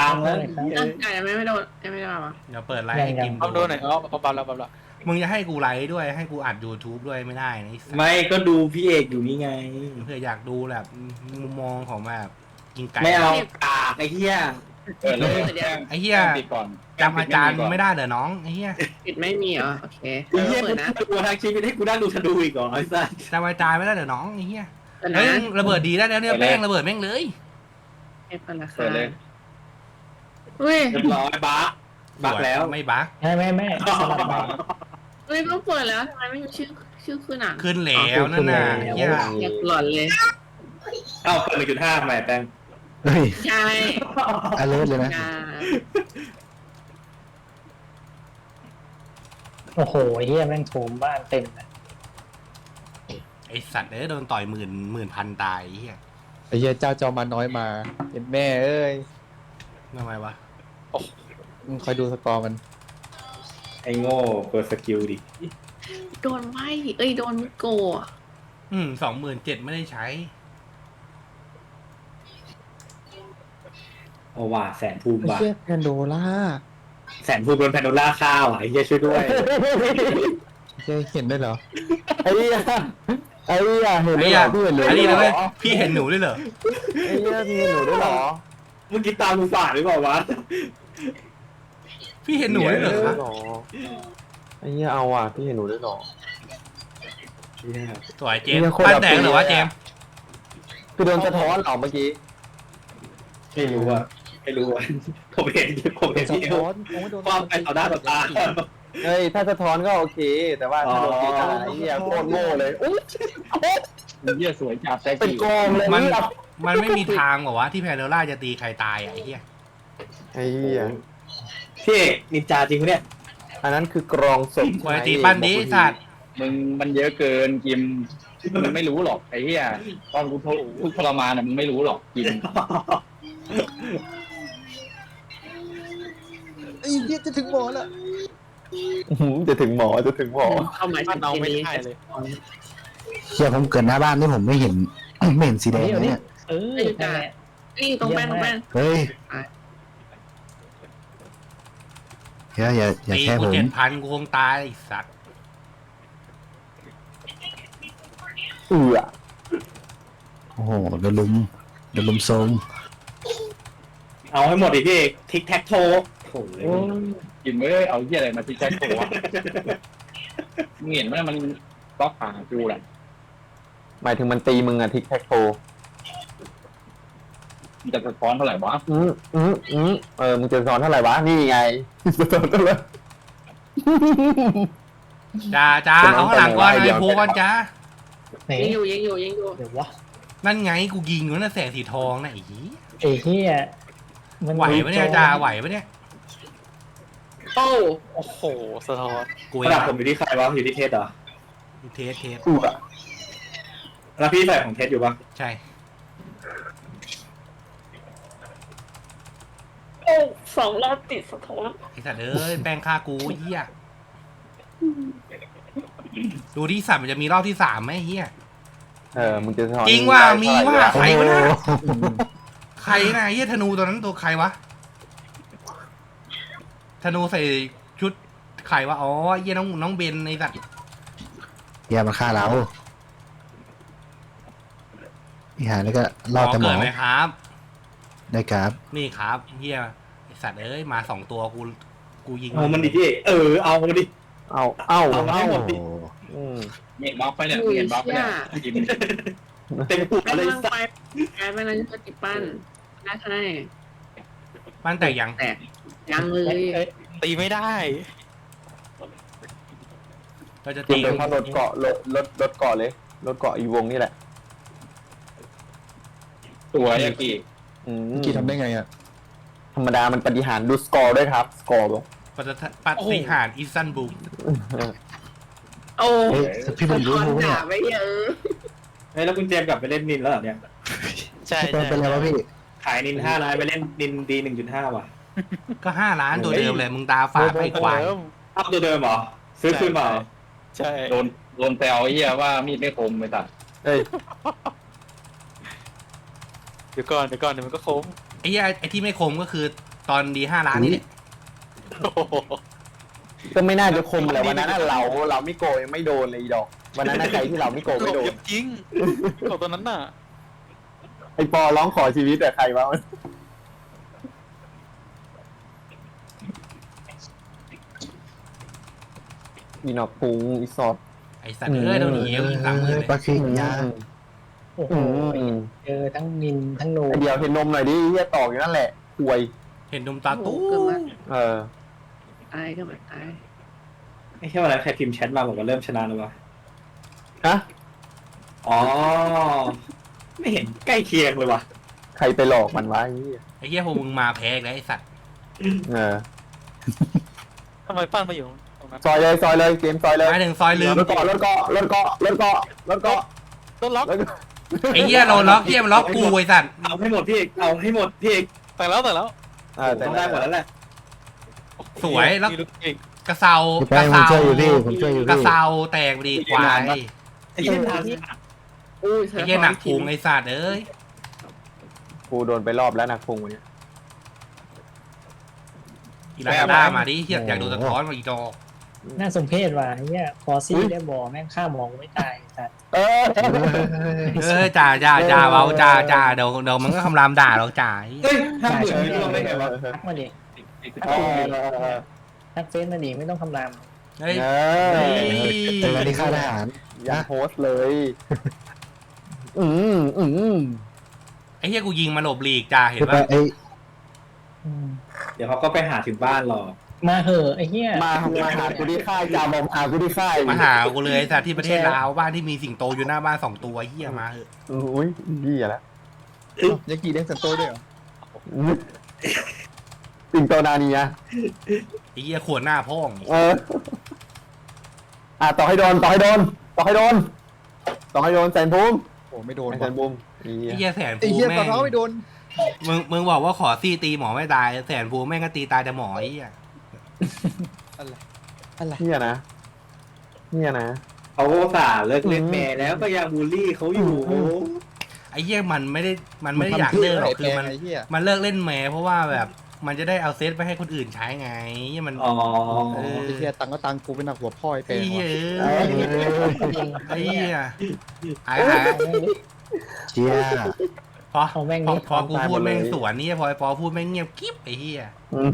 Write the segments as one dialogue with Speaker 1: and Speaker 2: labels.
Speaker 1: งแล้ว
Speaker 2: ยังไม่โดนยังไม่ได้ป่ะ
Speaker 3: เดี๋ยวเปิดไลฟ์ให้กิม
Speaker 4: เอาโดนหน่อยเอาปั๊บแล้วปั๊บแล้ว
Speaker 3: มึงจะให้กูไลฟ์ด้วยให้กูอัด YouTube ด้วยไม่ได้นะไอ้สัส
Speaker 1: ไม่ก็ดูพี่เอกอยู่นี่ไง
Speaker 3: เพื่ออยากดูแบบมุมมองของแบบกินไก่
Speaker 1: ไม่เอากากไอ้เหี้ย
Speaker 4: แล้ว
Speaker 3: ไอ้เหี้ย
Speaker 4: ปิดก่อน
Speaker 3: จำอาจารย์ไม่ได้เหรอน้องไอ้เหี้ย
Speaker 2: ปิดไม่มีเหรอโอเค
Speaker 1: ไอ้เหี้ย
Speaker 2: เปิ
Speaker 1: กู
Speaker 2: ดนะ
Speaker 1: ดูทางชีวิตให้กูนั่งดูธนูอีกเหรอไอ้สัส
Speaker 3: จำอาจารย์ไม่ได้เหรอน้องไอ้เหี้ย
Speaker 2: เปิด
Speaker 3: เฮ้ย
Speaker 2: นะ
Speaker 3: ระเบิดดีได้แล้วเนี่ยแม่งระเบิดแม่งเลย
Speaker 2: เปิดราคา
Speaker 4: เปิดเลย
Speaker 2: อุ้ย
Speaker 1: เรียบร้อยบักแล้ว
Speaker 3: ไม่บัก
Speaker 5: ไม่สลับมา
Speaker 2: อุ้ยต้องเปิดแล้วทำไมไม่มีชื่อคือหนัง
Speaker 3: ขึ้นแล้วนั่นน่ะเหี้ย
Speaker 2: อยากหลอนเลย
Speaker 1: เอ้าเปิด 1.5 ใหม่แป้ง
Speaker 5: เฮ้ย
Speaker 2: ใช่
Speaker 5: อเลิร์เลยนะ
Speaker 2: งา
Speaker 5: โอ้โหเฮียแม่งโถมบ้านเต็มเลย
Speaker 3: ไอสัตว์โดนต่อยหมื่นพันตายไอ้เหี้ย
Speaker 6: ไอ้เหี้ยเจ้าจอมาน้อยมาเห็นแม่เอ้ย
Speaker 3: ทำไมวะ
Speaker 6: คอยดูสกอร์มัน
Speaker 1: ไอ้โง่เปิดสกิลดิ
Speaker 2: โดนไหมโดนโกะ
Speaker 3: 27,000ไม่ได้ใช้
Speaker 1: เอาว่าแสนภูมิ
Speaker 6: ไอ้
Speaker 1: ว่ะ
Speaker 6: เหี้ยแพนโดล่า
Speaker 1: แสนภูมิโดนแพนโดล่าข้าวอ่ะไอ้เหี้ยช่วยด้วย
Speaker 6: เหี้ยเห็นได้เหรอ
Speaker 5: ไอ้เหี้ยเห็น
Speaker 3: ไอ้
Speaker 5: ด้วย
Speaker 3: เหี้
Speaker 5: เหร
Speaker 3: ย
Speaker 5: อพี่เห็นด้วย
Speaker 3: อันนี้นะ
Speaker 5: เหร
Speaker 3: เว้ย
Speaker 5: อ
Speaker 3: พี่เห็นหนูด้วยเหรอ
Speaker 5: ไอ้เหี้ยพี่เห็นหนูด้วยเหรอ
Speaker 1: เมื่อกี้ตามมึงฝ่าหรือเปล่าวะ
Speaker 3: พี่เห็นหนูด้วยเหรอครับ
Speaker 5: ไอ้เหี้ยเอาอ่ะพี่เห็นหนูด้วยเหรอ
Speaker 3: สวยเจมส์ปั้นแตกเหรอวะเจมส์
Speaker 5: คือโดนสะท้อนเหรอเมื่อกี้
Speaker 1: ไม่รู้อ่ะผมเห็น
Speaker 6: สะ
Speaker 1: ที่
Speaker 6: ท้อนโอ้ยโดน
Speaker 1: ความไปต่อหน้าต่อตา
Speaker 5: เฮ้ยถ้าสะท้อนก็โอเค แต่ว่าถ้าโดนตีตาไอ้เหี้ยโคตรโง่เลยอุ๊ย
Speaker 4: เหี้ยสวยจัดแต่
Speaker 5: เป็น
Speaker 4: กี่
Speaker 5: กองเลย
Speaker 3: มันไม่มีทางหรอวะที่แพนโดล่าจะตีใครตายอ่ะไอ้เหี้ย
Speaker 5: ไอ้เหี้ย
Speaker 1: พี่เอกนินจาจริงปะเนี่ย
Speaker 5: อันนั้นคือกรองศพ
Speaker 3: ควยตีปั้นดิสัตว์
Speaker 4: มึงมันเยอะเกินกิมมึงไม่รู้หรอกไอ้เหี้ยตอนกูทุกทรมานน่ะมึงไม่รู้หรอกกิม
Speaker 6: ไอ้เหี้ยจะถึงหมอแล้ว
Speaker 5: จะถึงหมอ
Speaker 2: เข้ามา
Speaker 4: มันเอาไม่
Speaker 2: นี้
Speaker 4: ได้เลย
Speaker 7: เชี่ยผมเกิดหน้าบ้านที่ผมไม่เห็น ไม่เห็นสีแดงเลยเนี่ย
Speaker 5: เออนั่นแหละ
Speaker 2: นี่ตรงแป้ง
Speaker 7: เฮ้ยอย่า
Speaker 3: ตี
Speaker 7: แค่
Speaker 3: กู
Speaker 7: ผม
Speaker 3: 7,000กูคงตายไอ้สัตว์
Speaker 7: โอ้โหโดนลุมโซม
Speaker 1: เอาให้หมดดิพี่เอกทิกแท็กโทโอ้ย
Speaker 4: กิมเอ้ยเอาเหี้ยอะไรมาที่แจ็คโผล่วะมึงเห็นไหมมันล็อกขากูแหละ
Speaker 5: หมายถึงมันตีมึงอะทิกแท็กโท
Speaker 4: มันจะสะท้อนเท่าไหร่วะ
Speaker 5: มึงจะสอนเท่าไหร่วะ นี่ไงจะสอนเท่าไหร่
Speaker 3: จ้าเอาข้างหลังก่อนไอ้โพก่อนจ้า
Speaker 5: ไหน
Speaker 2: ยิงอยู่
Speaker 5: เดี๋ยววะ
Speaker 3: นั่นไงกูยิงอยู่นั่นแสงสีทองนะไอ้เหี้ย
Speaker 5: ไอ้เหี้ย
Speaker 3: ไหวปะเนี่ยจ้าไหวปะเนี่ย
Speaker 2: โอ้
Speaker 4: โอ้โหสะท้อน
Speaker 3: กู
Speaker 1: ระดับผมอยู่ที่ใครวะอยู่ที่เทสเหรอ
Speaker 3: เทส
Speaker 1: แล้วพี่ใส่ของเทสอยู่ปะ
Speaker 3: ใช่
Speaker 2: 2 รอบติดสะท้อน
Speaker 3: ไอ้สัตว์แป้งฆ่ากูเหี้ยดูที่สัตว์มันจะมีรอบที่3ไหมเหี้ย
Speaker 5: มึงจะสอน
Speaker 3: จริงว่ามี
Speaker 5: เท่ไหร่
Speaker 3: ว่า
Speaker 5: วะ
Speaker 3: ใครวะนะใครนะเหี้ยธนูตัวนั้นตัวใครวะธนูใส่ชุดใครวะอ๋อเหี้ยน้องเบนไอ้สัตว์
Speaker 7: อย่ามาฆ่าเราอีหาแล้วก็รอดแต่หม
Speaker 3: เกิ
Speaker 7: อ
Speaker 3: ดไหมครับ
Speaker 7: ได้ครับ
Speaker 3: นี่ครับเหี้ยไอ้สัตว์มา2 ตัวกูยิง
Speaker 1: เอามันดิพี่เอกเอามันดิ
Speaker 5: เอา
Speaker 7: โอ้
Speaker 4: เห็นบล็อกไปเนี่ยเห็นบล็อกไปเนี่ยกิม
Speaker 1: เต็มปุก
Speaker 2: กำ
Speaker 1: เลย
Speaker 2: ลัง
Speaker 1: สั
Speaker 2: ไป
Speaker 1: ส
Speaker 2: กำลังจะติดปั้นได้ใช่
Speaker 3: ปั้นแตกยัง
Speaker 2: แตกยังเลย
Speaker 4: ตีไม่ได้
Speaker 3: เราจะ
Speaker 5: จริ
Speaker 3: ตี
Speaker 5: งเป็นเพราะรถเกาะรถเกาะเลยรถเกาะอีวงนี่แหละ
Speaker 4: ตัวยากิ
Speaker 5: อื
Speaker 6: เมื่อกี้ทำได้ไงอ่ะ
Speaker 5: ธรรมดามันปฏิหารย์ดูสกอร์ด้วยครับ สกอร์บอก
Speaker 3: ปฏิหารอิซันบูม
Speaker 2: โอ้
Speaker 7: เฮ้ยพี่ผมรู้
Speaker 2: สะท้อน
Speaker 7: เนี่
Speaker 2: ด่าย ไปเยอะ
Speaker 1: เฮ้ยแล้วคุณเจมส์กลับไปเล่นนินแล้วเหรอเนี่ย
Speaker 4: ใช่
Speaker 7: พี่เป็นอะไรวะพี่
Speaker 1: ขายนิน5 ล้านไปเล่นนินดี 1.5 ว่ะ
Speaker 3: ก็5 ล้านตัวเดิมเลยมึงตาฝาดไปควาย
Speaker 1: เอาตัวเดิมเหรอซื้อคืนเปล่า
Speaker 4: ใช่โดนแซวไอ้เหี้ยว่ามีดไม่คมไปตัด
Speaker 5: เอ้ย
Speaker 4: เดี๋ยวก่อนเดี๋ยวมันก็คม
Speaker 3: ไอ้ที่ไม่คมก็คือตอนดี5 ล้านนี่แหละ
Speaker 5: ก็ไม่น่าจะคมแหละวันนั้นน่ะเราไม่โกยังไม่โดนเลยอีดอกวันนั้นน่ะใครที่เราไม่โกไม่โดน
Speaker 8: จริงโกตัวนั้นน่ะ
Speaker 5: ไอปอร้องขอชีวิตแต่ใครวะอีนอกพุงอีสอด
Speaker 3: ไอ้สัตว์โดนหนียิง30,000เลย
Speaker 7: ปลาคิงยา
Speaker 9: โอ้โหเจอทั้งนินทั้งโน
Speaker 5: ไอเดียวเห็นนมหน่อยดิเฮียตอกอยู่นั่นแหละป่วย
Speaker 3: เห็นดมตาตู้
Speaker 2: เกิดมา
Speaker 5: เออ
Speaker 2: ตายก็มาตาย
Speaker 1: ไม่ใช่วันนั้นใครพิมพ์แชทมาบอกว่าเริ่มชนะแล้ววะ
Speaker 5: ฮะ
Speaker 1: อ๋อ ไม่เห็นใกล้เคียงเลยวะ
Speaker 5: ใครไปหลอกมันวะไอ้เหี้ย
Speaker 3: ไอ้เหี้ยพวกมึงมาแพ้อีกแล้วไอ้สัตว์
Speaker 5: เออ
Speaker 8: ทำไมปั้นมาอยู่ตรงนั้น
Speaker 5: ซอยเลยเกมซอยเลย
Speaker 3: มาถึงซอยลืม
Speaker 5: รถเกาะ
Speaker 8: โดนล็อก
Speaker 3: ไอ้เหี้ยโดนล็อกเหี้ยมันล็อกกูไอ้สัตว์
Speaker 1: เอาให้หมดพี่เอกเอาให้หมดพี่เอก
Speaker 8: แต่แล้ว
Speaker 5: แต่
Speaker 1: ต้องได้หมดแล้วแหละ
Speaker 3: สวยแล้ว
Speaker 8: มีลูกเก่ง
Speaker 3: กระเซา
Speaker 7: พี่แป้งผมช่วยอยู่พี่ผมช่วยอยู่
Speaker 3: กระ
Speaker 7: พี่
Speaker 3: เซาแตกดีควาย
Speaker 1: ไอ้เหี้ยทาง
Speaker 2: อุ้ย
Speaker 3: ไอ้เหี้ยหนักพุงไอ้สัตว์เอ้ย
Speaker 5: กูโดนไปรอบแล้วนะพุงวันนี้
Speaker 3: อีลาด้ามาดิเหี้ยอยากดูสะท้อนมาอีจอก
Speaker 9: น่าสมเพชว่ะไอ้เนี่ยคอซี่ได้บอแม่งฆ่าหมองไม่ตายแต่
Speaker 5: เออ
Speaker 3: จ่าเบาจ่าเดี๋ยวมันก็คำรามด่าเราจ่า
Speaker 1: เฮ้ย50,000ไม่ร่วงได้ไงวะ
Speaker 9: ทักมาดิ
Speaker 5: เออ
Speaker 9: ทักเฟซมาดิไม่ต้องคำราม
Speaker 3: เฮ้ย
Speaker 7: เจอกันที่ค่ายทหาร
Speaker 5: ยังโพสต์เลย อืม
Speaker 3: ไอ้เหี้ยกูยิงมาหลบหลีกจ่าเห็น
Speaker 7: พี่
Speaker 3: ป่ะ
Speaker 7: แป้งไอ้
Speaker 1: เดี๋ยวเขาก็ไปหาถึงบ้านหรอก
Speaker 9: มาเหอะไอ้เหี้ย
Speaker 5: มาหากูที่ค่ายจ่าบอมหากูที่ค่าย
Speaker 3: มาหากูเลยไอ้สัตว์ที่ประเทศลาวบ้านที่มีสิงโตอยู่หน้าบ้าน2 ตัวเหี้ยมาเหอะ
Speaker 5: อุ้ยดีอะแล้ว
Speaker 6: ยังกี่เลี้ยงสันโตด้วยเหรอ
Speaker 5: ปิ่นโตนานีอะ
Speaker 3: ไอ้เหี้ยขวดหน้าพ่อง
Speaker 5: เออต่อให้โดนแสนภูมิ
Speaker 6: โอ้ไม่โดน
Speaker 5: แสนภูมิ
Speaker 3: ไอ้เหี้ยแสน
Speaker 6: ไอ้
Speaker 3: ภู
Speaker 6: เหี้ย
Speaker 3: แม่
Speaker 6: ต่อง เท้าไม่โดน
Speaker 3: มึงบอกว่าขอซี่ตีหมอไม่ตายแสนภูแม่งก็ตีตายแต่หมอไอ้เหี้ย
Speaker 6: อะไร
Speaker 5: เนี่ยนะ
Speaker 1: เขาอุตส่าห์เลิกเล่นแม่แล้วก็ยังบูลลี่เขาอยู่
Speaker 3: ไอ้เหี้ยมันไม่ได้อยากเลิกหรอกคือมัน
Speaker 6: ไอ้เหี้ย
Speaker 3: มันเลิกเล่นแหมเพราะว่าแบบมันจะได้เอาเซตไปให้คนอื่นใช้ไงเหี้ยมัน
Speaker 1: อ๋อ
Speaker 3: เออ
Speaker 6: ไอ้เหี้ยตังก็ตังกูเป็นหนักหัวพ่อไอ้แปล
Speaker 3: ไอ้
Speaker 6: ง
Speaker 3: เหี้ย
Speaker 6: ว่ะ
Speaker 3: ไอ้เหี้ยไอ้
Speaker 7: เชีย
Speaker 3: พอกูพูดแม่งสวนนี่พอไอ้ปอพูดแม่งเงียบกิ๊บไอ้เหี้ย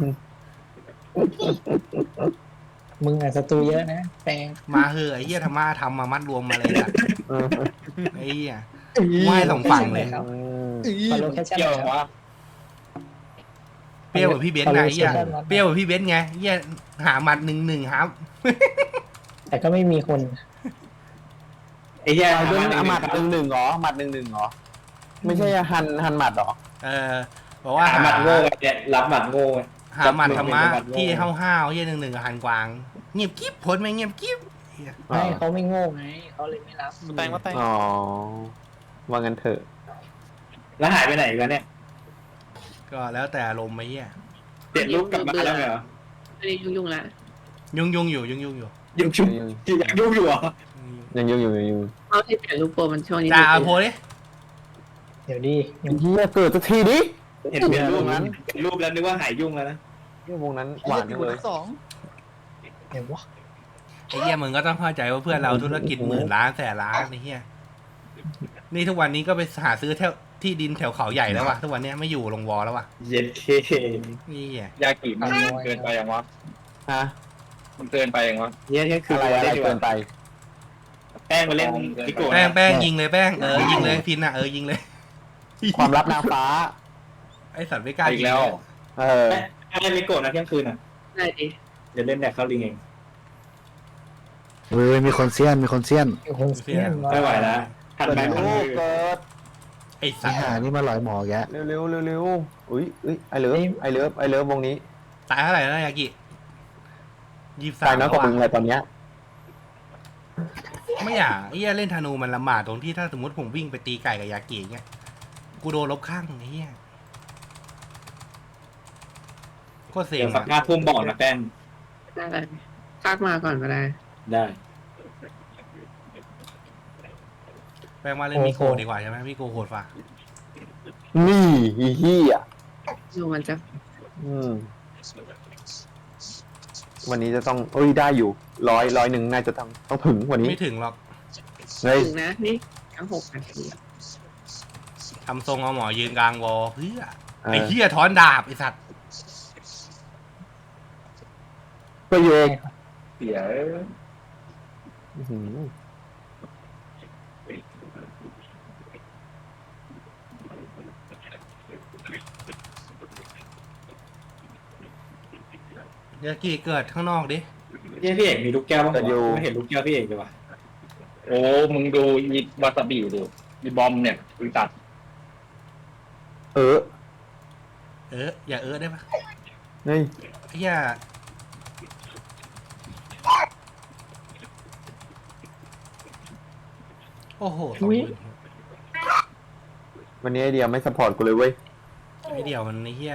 Speaker 9: มึงอ่ะศัตรูเยอะนะแปลง
Speaker 3: มาเหอะไอ้เหี้ยทำมามัดรวมมาเลยอะไอ้เหี้ยไม่สองฝั่งเลย
Speaker 9: ฟอลโล่แคชชั่น
Speaker 4: เกี่ยว
Speaker 9: แล้ว
Speaker 4: วะ
Speaker 3: เปรี้ยวกับพี่เบนซ์ไงไอ้เหี้ยเปรี้ยวกับพี่เบนซ์ไงเหี้ยหาหมัด1-1ครับ
Speaker 9: แต่ก็ไม่มีคน
Speaker 1: ไอ้เหี้ย
Speaker 5: หมัดหนึ่งเหรอไม่ใช่หันหมัดหรอ
Speaker 3: บอกว่า
Speaker 1: หาหมัดโง่เนี่ยรับหมัดโง่
Speaker 3: หาหมัดธรรมะที่ห้าวๆเหี้ย1-1กับหันกวางเงียบกิ๊บผลไม่เงียบกิ๊บ
Speaker 9: ไม่เขาไม่โง่ไงเขาเลยไม่รับ
Speaker 8: มาแต่ง
Speaker 5: อ๋อว่างั้นเถอะ
Speaker 1: แล้วหายไปไหนกันเนี่ย
Speaker 3: ก็แล้วแต่อารมณ์ไอ้เหี้ย
Speaker 1: เปลี่ยนรูปกลับมาแล้วเหรอ
Speaker 2: อันนี้ยุ่งๆละ
Speaker 3: ยุ่งอยู่
Speaker 1: ยังยุ่งอยู่เหรอ
Speaker 5: ยังอยู่
Speaker 2: เอาที่เปลี่ยนรูปโปรมันช่วงนี้
Speaker 3: จ่าโพดิ
Speaker 9: เดี๋ยวดิ
Speaker 5: เฮียเกิดสักทีดิ
Speaker 1: เห็นเปลี่ยนรูปนั้นรูปแล้วนึกว่าหายยุ่งแล้วนะ
Speaker 5: วงนั้นหวาน
Speaker 6: ไอ้
Speaker 5: จั
Speaker 6: เหี้ย
Speaker 5: ง
Speaker 6: มี
Speaker 5: เลย
Speaker 6: คนสอง
Speaker 9: เดี๋ยววะ
Speaker 3: ไอ้เหี้ยมึงก็ต้องเข้าใจว่าเพื่อนเราธุรกิจ10,000 ล้านแสนล้านไอ้เหี้ยนี่ทุกวันนี้ก็ไปหาซื้อที่ดินแถวเขาใหญ่แล้วว่ะทุกวันนี้ไม่อยู่ลงวอแล้วว่ะ
Speaker 1: เย็นเค
Speaker 3: นี่ไง
Speaker 4: ยากิมันเกินไปอย่างวะ
Speaker 5: ฮะ
Speaker 4: มันเกินไปอย่างวะ
Speaker 1: เนี่ยคือ
Speaker 5: อะไร
Speaker 1: ได้ดีก
Speaker 5: เกิ
Speaker 1: ว่าน
Speaker 5: ไป
Speaker 1: แป้งมาเล่นพิโก้
Speaker 3: แป้งยิงเลยแป้งยิงเลยพินอ่ะยิงเลย
Speaker 5: ความลับนางฟ้า
Speaker 3: ไอสัตว์ไม่กล้า
Speaker 4: อี
Speaker 3: ยิ
Speaker 4: ก
Speaker 3: ง
Speaker 4: แล้ว
Speaker 5: เออ
Speaker 1: แป้งพิโก้นะเที่ยงคืนอ่ะ
Speaker 2: ได้ดิ
Speaker 1: เดี๋ยวเล่นแดกเข้าลิงเอง
Speaker 7: เว้ยมีคนเซียน
Speaker 9: โอ้โหเสีย
Speaker 1: ไม่ไหวแล้วถัดไป
Speaker 5: เกิด
Speaker 3: ไอสั
Speaker 7: ไอ้
Speaker 3: ตว์
Speaker 7: ห่านี่มาหลอยหมอแก
Speaker 5: เร็วอุ้ยไอเลิฟวงนี้
Speaker 3: ตายเท่าไหร่แล้วยากิ
Speaker 5: ตายน้อยกว่ามึง
Speaker 3: 23
Speaker 5: เลยตอนเนี้ย
Speaker 3: ไม่อยากไอ้เหี้ยเล่นธนูมันลำบากตรงที่ถ้าสมมติผมวิ่งไปตีไก่กับยากิเงี้ยกูโดนลบข้างไอ้เหี้ยโคตรเซ็
Speaker 1: เดี๋
Speaker 3: ง
Speaker 1: ยวสัก5 ทุ่มบอกนะแป้ง
Speaker 2: ได้เลยทักมาก่อนก็ได้
Speaker 1: ได้
Speaker 3: แปลว่าเล่นมิโกดีกว่าใช่ไหมมิโกโหดฝ่า
Speaker 5: นี่อีเหี้ย
Speaker 2: ดูมันจะ
Speaker 5: อืมวันนี้จะต้องเอ้ยได้อยู่ร้อยหนึ่งน่าจะต้องถึงวันนี้
Speaker 3: ไม่ถึงหรอก
Speaker 5: เฮ้ย
Speaker 2: ถึงนะนี่ทั้ง6 นาที
Speaker 3: ทำทรงเอาหมอยืนกลางวอเพื่อไอ้เหี้ยถอนดาบไอ้สัตว์
Speaker 5: ก็อยู่เอง
Speaker 4: เสีย
Speaker 5: อื้อหือ
Speaker 3: ยากิเกิดข้างนอกดิ
Speaker 1: เนี่ยพี่เอกมีลูกแก้วบ้างวะไม่เห็นลูกแก้วพี่เอกเลยว่ะ
Speaker 4: โอ้มึงดูอีวาซาบิดูอีบอมเนี่ยกูตัด
Speaker 5: เออ
Speaker 3: อย่าได้ปะ
Speaker 5: เฮ้ย
Speaker 3: ไอ้เหี้ยโอ้โห20,000
Speaker 5: วันนี้ไอเดียไม่สปอร์ตกูเลยเว้ย
Speaker 3: ไอ้เดียวมันไอ้เหี้ย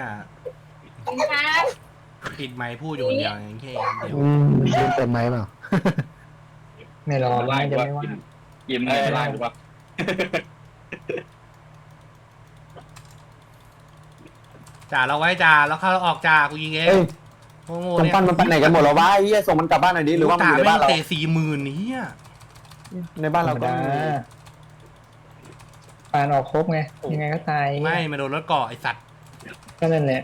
Speaker 3: ปิดไมค์พูดอยู่คนเดียวอย่างแค่เดียว
Speaker 7: เล่นเต็มไหมเปล่า
Speaker 9: ไม่รอ
Speaker 4: ไล่
Speaker 9: น่าจะ
Speaker 4: ว่า
Speaker 9: ไม่ว่า
Speaker 4: กิมเนี่ยไล่หรือว่า
Speaker 3: จ่าเราไว้จ่าแล้วเข้าเราออกจ่ากูยิงเอง
Speaker 5: เฮ้ย
Speaker 3: โง่
Speaker 5: กำ
Speaker 3: เนี่ย
Speaker 5: ปั้นมันไปไหนกันหมดแล้ววะไอ้เหี้ยส่งมันกลับบ้านหน่อยดิหรือว่ามันอยู่ในบ้านเรา
Speaker 3: เตะ40,000นี่อ่ะ
Speaker 5: ในบ้าน
Speaker 9: ธร
Speaker 5: เรา
Speaker 9: รม
Speaker 5: ก็
Speaker 9: ดา
Speaker 5: มี
Speaker 9: ปานออกครบไงยังไงก็ตาย
Speaker 3: ไม่มาโดนรถเกาะไอสัตว์
Speaker 9: ก็นั่นแหละ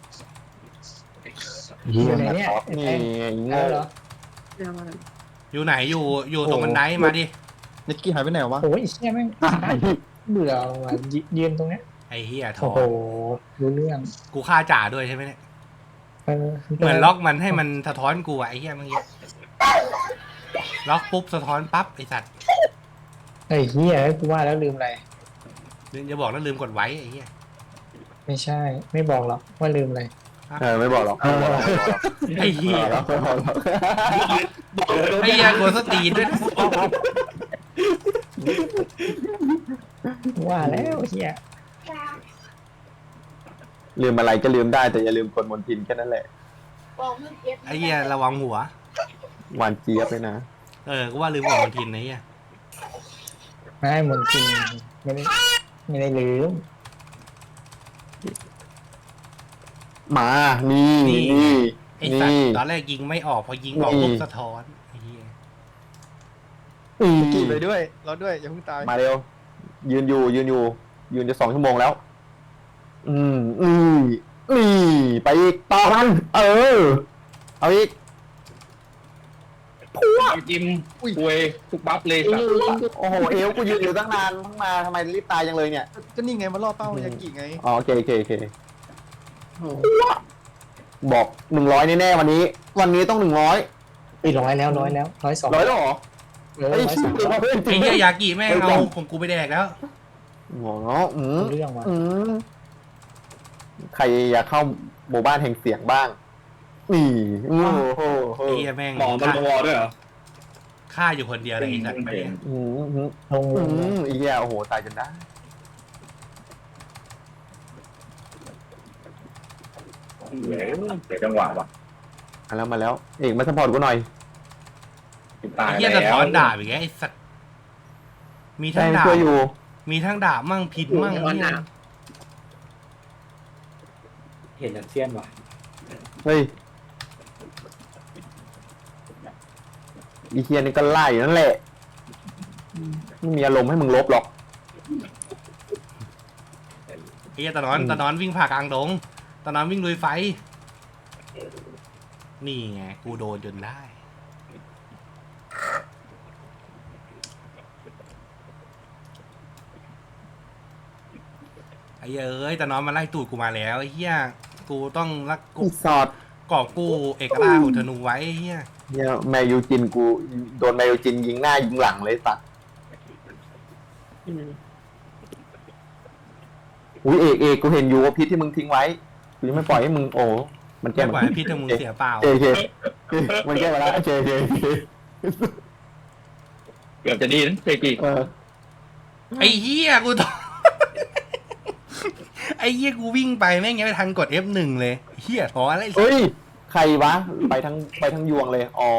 Speaker 7: เหี้
Speaker 9: อย ยู่ไหนเนี่ย
Speaker 5: นี่ไง
Speaker 9: แล้
Speaker 5: โง่
Speaker 9: วเหรอ
Speaker 2: เดี๋ยวมา
Speaker 3: อยู่ไหนอยู่ตรงบันไดมาดิ
Speaker 6: ยักกี้หายไปไหนวะ
Speaker 9: โอ้ยไอ้เชี่ยแม่งเบื่อว่ะยืนตรงเนี้ย
Speaker 3: ไอ้เหี้ยถอ
Speaker 9: โอ้โหรู้เรื่อง
Speaker 3: กูฆ่าจ่าด้วยใช่ไหมเนี่ย เหมือนล็อกมันให้มันสะท้อนกูอะไอ้เหี้ยเมื่อกี้ล็อกปุ๊บสะท้อนปั๊บไอสัตว์
Speaker 9: ไอ้เหี้ยกูว่าแล้วลืมอะไร
Speaker 3: อย่าบอกนะลืมกดไว้ไอ้เหี้ย
Speaker 9: ไม่ใช่ ไม่บอกหรอกว่าลืมอะไร
Speaker 5: ไม่บอกหรอกไม่บอกหรอก
Speaker 3: ไอ้เหี้ย
Speaker 5: ไม่บอกหรอก
Speaker 3: ไอ้เหี้ยกดสตีนด้วยนะ
Speaker 9: ว่าแล้วเหี้ย
Speaker 5: ลืมอะไรก็ลืมได้แต่อย่าลืมกดมนทินแค่นั้นแหละ
Speaker 3: ไอ้เหี้ยระวังหัว
Speaker 5: หวานเจี๊ยบเลยนะ
Speaker 3: กูว่าลืมกดมนทินไอ้เหี้ย
Speaker 9: ไม่หมดจริงไม่ได้ลืม
Speaker 5: มานี่
Speaker 3: ไอ้สัตว์ตอนแรกยิงไม่ออกพอยิงออกปุ๊บสะท้อนไอ้เหี้ย
Speaker 6: ยักกี้ไปด้วยเราด้วยอย่าเพิ่งตาย
Speaker 5: มาเร็วยืนจะ2 ชั่วโมงแล้ว นี่ไปอีกต่อมันเอาอีก
Speaker 4: กิมคุยทุกบัฟเลยสัตว์
Speaker 5: โอ้โหเอวกูยืนอยู่ตั้งนานเพิ่งมาทำไมรีบตายจังเลยเนี่ย
Speaker 6: ก็นี่ไงมาล่อเป้ายักกี้ไง
Speaker 5: อ๋อโอเคบอก100แน่ๆวันนี้ต้อง100
Speaker 9: ไป100แล้ว100 102
Speaker 5: 100แล้วเหรอ
Speaker 9: เฮ้ย
Speaker 3: ไอ้เหี้ยยากิแม่งเอาของกูไปแดกแล้ว
Speaker 5: หมออืม
Speaker 9: เรื่องว่ะ
Speaker 5: ใครอยากเข้าหมู่บ้านแห่งเสียงบ้างนี่โอ้โห
Speaker 3: ไอ้เหี้ยแม่ง
Speaker 1: หมอมันวอด้วยเหรอ
Speaker 3: ฆ่าอยู่คนเดียวเลยไอ้สัตว์
Speaker 9: ลง
Speaker 5: อีเหี้ยโอ้โหตายจนได้
Speaker 4: เสียจังหวะว่ะ
Speaker 5: มาแล้วเอกมาสปอร์ตกูหน่อย
Speaker 4: ตาย
Speaker 3: ไอ้
Speaker 4: แล้
Speaker 3: เหี้ยว สะท้อนดาบอีกแล้วไอ้สัตว์มีทั้
Speaker 5: ใช่
Speaker 3: งดาบ
Speaker 5: ช่วยอยู่
Speaker 3: มีทั้งดาบมั่งผิดมั่งเนี่ย
Speaker 1: เห็นยันเซียนว่ะ
Speaker 5: เฮ้ยอีเทียนี่ก็ไล่อยู่นั่นแหละไม่มีอารมณ์ให้มึงลบหรอก
Speaker 3: ไอ้เหี้ยตะนอนวิ่งผ่ากลางดงตะนอนวิ่งลุยไฟ นี่ไงกูโดนจนได้ไอ้เหี้ยเอ้ยตะนอนมาไล่ตูดกูมาแล้วไอ้เหี้ยกูต้องรักกู
Speaker 5: อีสอด
Speaker 3: กอบกู้เอกราชของธนูไว้ไอ้เหี้ย
Speaker 5: เนี่ยแมยูจินกูโดนแมยูจินยิงหน้ายิงหลังเลยสัตว์อุ้ยเอกกูเห็นอยู่ว่าพิษที่มึงทิ้งไว้กูยังไม่ปล่อยให้มึงโอ้มันแก้
Speaker 3: ไม่ไหวพี่ถ้ามึงเสียเปล่า
Speaker 5: เคมันแก้มาแล้วเค
Speaker 4: เกือบจะดีนะเจกี
Speaker 3: ไอ้เหี้ยกูต้อง ไอ้เหี้ยกูวิ่งไปแม่งยังไม่ทันกด F1 เลยเหี้ยท้ออะไร
Speaker 5: เฮ้ยใครวะไปทั้งยวงเลยอ๋อ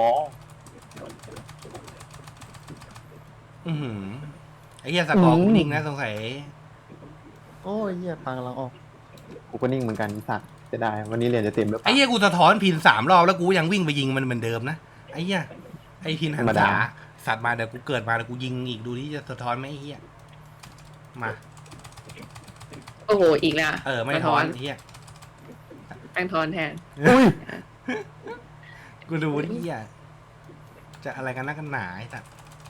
Speaker 3: ไอ้เหี้ยสกอร์กูนิ่งนะสงสัย
Speaker 6: โอ้ยเหี้ยปางกำลังออก
Speaker 5: กูก็นิ่งเหมือนกันสัตว์จะได้วันนี้เรียนจะเต็มหรือเป
Speaker 3: ไอ้
Speaker 5: ล่า
Speaker 3: เหี้ยกูสะท้อนพิน3 รอบแล้วกูยังวิ่งไปยิงมันเหมือนเดิมนะไอ้เหี้ยไอ้พินหัน
Speaker 5: ธรรมดา
Speaker 3: ษาสัตว์มาเดี๋ยวกูเกิดมาเดี๋ยวกูยิงอีกดูที่จะสะท้อนไหมไอ้เหี้ยมา
Speaker 2: โอ้โหอีกแล้ว
Speaker 3: ไม่ท้อนไอ้เหี้ย
Speaker 2: แป้งทอนแทน
Speaker 5: อุ้ย
Speaker 3: กูดูที่เหี้ยจะอะไรกันนักกันหนาไอ้สัตว์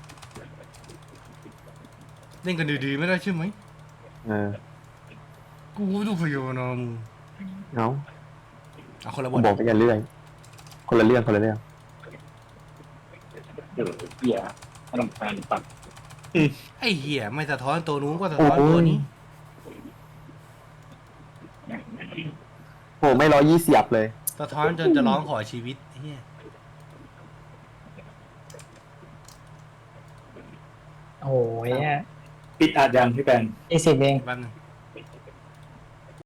Speaker 3: เล่นกันดีๆไม่ได้ใช่ไหม
Speaker 5: เออ
Speaker 3: กูดูพยนม
Speaker 5: เอา
Speaker 3: เอาคนละบ
Speaker 5: กู
Speaker 3: ท
Speaker 5: บอกไปอย่าเรื่อยคนละเรื่องคนละเรื่อง
Speaker 4: เหี้ยมันต้องการปัด
Speaker 3: ไอ้เหี้ยไม่สะท้อนตัวนู้นก็สะท้อนตัวนี้
Speaker 5: โหไม่120เลย
Speaker 3: สะท้อนจนจะร้องขอชีวิตไอ้เหี้ย
Speaker 9: โอ้โหเนี่ย
Speaker 1: ปิดอัดยังพี่แปน
Speaker 9: 20 เอง
Speaker 3: แป๊บนึง